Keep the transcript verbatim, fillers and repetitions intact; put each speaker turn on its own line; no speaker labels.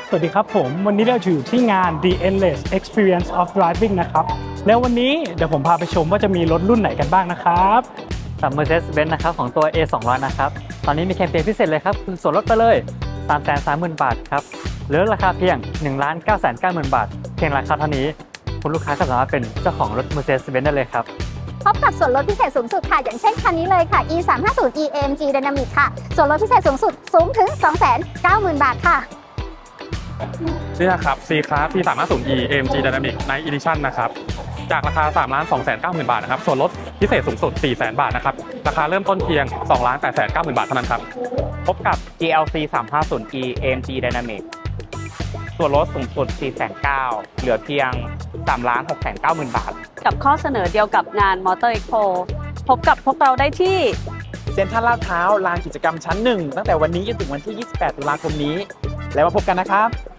สวัสดีครับผมวันนี้เราอยู่ที่งาน The Endless Experience of Driving นะครับแล้ววันนี้เดี๋ยวผมพาไปชมว่าจะมีรถรุ่นไหนกันบ้างนะครับ
สำหรับ Mercedes-Benz นะครับของตัว เอ สองร้อย นะครับตอนนี้มีแคมเปญพิเศษเลยครับคือส่วนลดไปเลย สามแสนสามหมื่น บาทครับเหลือราคาเพียง หนึ่งล้านเก้าแสนเก้าหมื่น บาทเพียงราคาเท่านี้คุณลูกค้าก็สามารถเป็นเจ้าของรถ Mercedes-Benz ได้เลยครับ
พบกับส่วนลดพิเศษสูงสุดค่ะอย่างเช่นคันนี้เลยค่ะ อี สามห้าศูนย์ อี เอ็ม จี Dynamic ค่ะส่วนลดพิเศษสูงสุดสูงถึง สองแสนเก้าหมื่น บาทค่ะ
นี่นะครับ C-Class ที สามห้าศูนย์ อี เอ็ม จี Dynamic Night Edition นะครับจากราคา สามล้านสองแสนเก้าหมื่น บาทนะครับส่วนลดพิเศษสูงสุด สี่แสน บาทนะครับราคาเริ่มต้นเพียง สองล้านแปดแสนเก้าหมื่น บาทเท่านั้นครับพบกับ
จี แอล ซี สามห้าศูนย์ อี เอ็ม จี Dynamic ส่วนลดสูงสุด สี่แสนเก้าหมื่น เหลือเพียง สามล้านหกแสนเก้าหมื่น บาท
กับข้อเสนอเดียวกับงาน Motor Expo พบกับพวกเราได้ที่
เซ็นทรัลลาดพร้าวลานกิจกรรมชั้นหนึ่งตั้งแต่วันนี้จนถึงวันที่ ยี่สิบแปด ตุลาคมนี้แล้วมาพบกันนะครับ